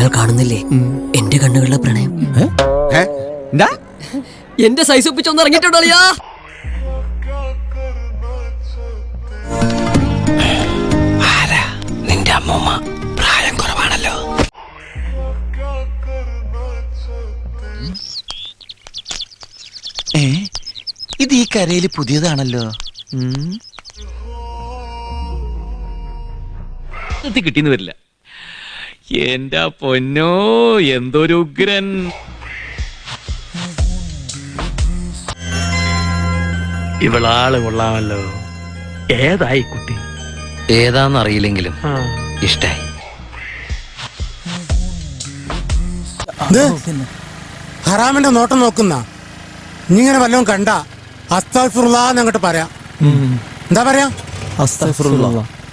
നിങ്ങൾ കാണുന്നില്ലേ എന്റെ കണ്ണുകളിലെ പ്രണയം? എന്റെ സൈസ് ഒപ്പിച്ചൊന്ന് ഇറങ്ങിയിട്ടുണ്ടോ? നിന്റെ അമ്മൂമ്മ പ്രായം കുറവാണല്ലോ. ഇത് ഈ കരയിൽ പുതിയതാണല്ലോ. കിട്ടിന്ന് വരില്ല. എന്റെ പൊന്നോ, എന്തൊരു ഉഗ്രൻ. ഇവളാള് കൊള്ളാമല്ലോ. ഏതായി കുട്ടി? ഏതാന്നറിയില്ലെങ്കിലും ഇഷ്ടായി. ഹറാമിന്റെ നോട്ടം നോക്കുന്ന ഇങ്ങനെ വല്ലതും കണ്ട അസ്തഗ്ഫിറുല്ലാഹ് എന്നങ്ങോട്ട് പറയാം. എന്താ പറയാ? അസ്തഗ്ഫിറുല്ലാഹ്.